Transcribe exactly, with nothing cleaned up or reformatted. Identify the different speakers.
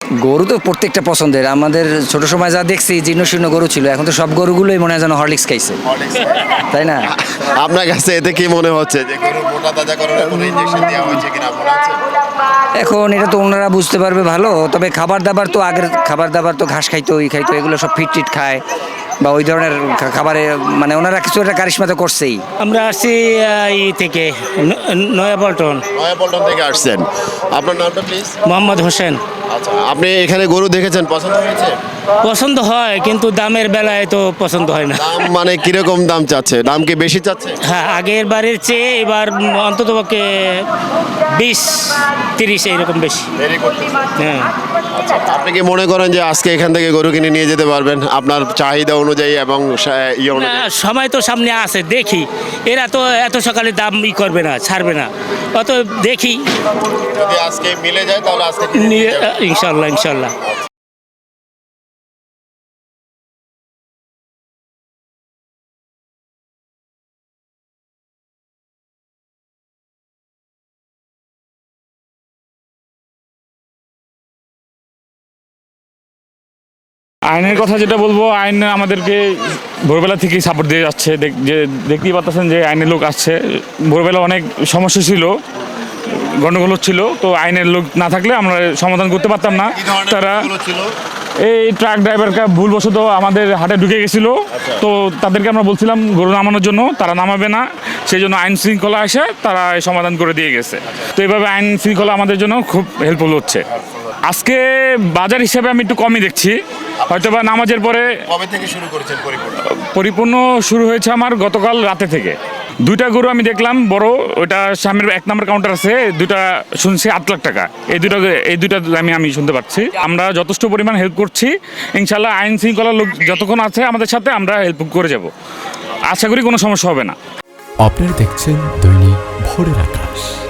Speaker 1: গরু তো প্রত্যেকটা পছন্দের, আমাদের ছোট সময় যা দেখছি জীর্ণ শীর্ণ গরু ছিল, এখন তো সব গরুগুলোই মনে হয় যেন হরলিক্স খাইছে, তাই না?
Speaker 2: আপনার কাছে এতে কি মনে হচ্ছে যে গরুর মোটা তাজা করার কোনো ইনজেকশন দেওয়া হয়েছে কিনা মনে হচ্ছে?
Speaker 1: এখন এটা তো ওনারা বুঝতে পারবে ভালো, তবে খাবার দাবার তো আগের খাবার দাবার তো ঘাস খাইতো, ই খাইতো, এগুলো সব ফিট টিট খায় বা ওই ধরনের খা- খাবারে মানে ওনারা কিছু একটা কারিশমা তো করছেই।
Speaker 3: আমরা আসছি আহ, ই থেকে ন- নয়াপল্টন।
Speaker 2: নয়াপল্টন থেকে আসছেন, আপনার নামটা প্লিজ?
Speaker 3: মোহাম্মদ হোসেন।
Speaker 2: আচ্ছা, আপনি এখানে গরু দেখেছেন, পছন্দ হয়েছে?
Speaker 3: পছন্দ হয় কিন্তু দামের বেলায় তো পছন্দ হয় না।
Speaker 2: দাম মানে কিরকম দাম চাচ্ছে? দাম কি বেশি চাচ্ছে?
Speaker 3: হ্যাঁ, আগের বারের চেয়ে এবার অন্তত পক্ষে বিশ তিরিশ এইরকম বেশি।
Speaker 2: দেরি করতেছে।
Speaker 3: হ্যাঁ,
Speaker 2: আচ্ছা, আপনি কি মনে করেন যে আজকে এখান থেকে গরু কিনে নিয়ে যেতে পারবেন আপনার চাহিদা অনুযায়ী এবং সা- ইয়ে
Speaker 3: না,
Speaker 2: অনুযায়ী?
Speaker 3: সময় তো সামনে আছে, দেখি। এরা তো এত সকালে দাম ই করবে না, ছাড়বে না, অত দেখি।
Speaker 2: যদি আজকে মিলে যায় তাহলে আজকে কিনে নিয়ে
Speaker 3: নিয়ে-
Speaker 2: যাবেন।
Speaker 3: ইনশাল্লাহ ইনশাল্লাহ।
Speaker 4: আইনের কথা যেটা বলবো, আইন আমাদেরকে ভোরবেলা থেকেই সাপোর্ট দিয়ে যাচ্ছে। দেখ- যে দেখতেই পাচ্ছেন যে আইনের লোক আসছে। ভোরবেলা অনেক সমস্যা ছিল, গণ্ডগোল ছিল, তো আইনের লোক না থাকলে আমরা সমাধান করতে পারতাম না।
Speaker 2: কি ধরনের
Speaker 4: তারা
Speaker 2: গরুগুলো ছিল?
Speaker 4: এই ট্রাক ড্রাইভারকে ভুলবশত আমাদের হাটে ঢুকে গেছিল, তো তাদেরকে আমরা বলছিলাম গরু নামানোর জন্য, তারা নামাবে না, সেই জন্য আইন শৃঙ্খলা এসে তারা এই সমাধান করে দিয়ে গেছে। তো এইভাবে আইন শৃঙ্খলা আমাদের জন্য খুব হেল্পফুল হচ্ছে। আজকে বাজার হিসেবে আমি একটু কমই দেখছি, হয়তো বা নামাজের পরে।
Speaker 2: কবে থেকে শুরু করেছেন পরিপূর্ণ?
Speaker 4: পরিপূর্ণ শুরু হয়েছে আমার গতকাল রাতে থেকে। দুইটা গরু আমি দেখলাম বড়, ওইটা সামনের এক নম্বর কাউন্টার আছে, দুইটা শুনছি আট লাখ টাকা। এই দুটো এই দুইটা আমি আমি শুনতে পাচ্ছি। আমরা যথেষ্ট পরিমাণ হেল্প করছি, ইনশাল্লাহ আইন শৃঙ্খলার লোক যতক্ষণ আছে আমাদের সাথে, আমরা হেল্প করে যাব। আশা করি কোনো সমস্যা হবে না।
Speaker 5: আপনারা দেখছেন দৈনিক ভোরের আকাশ।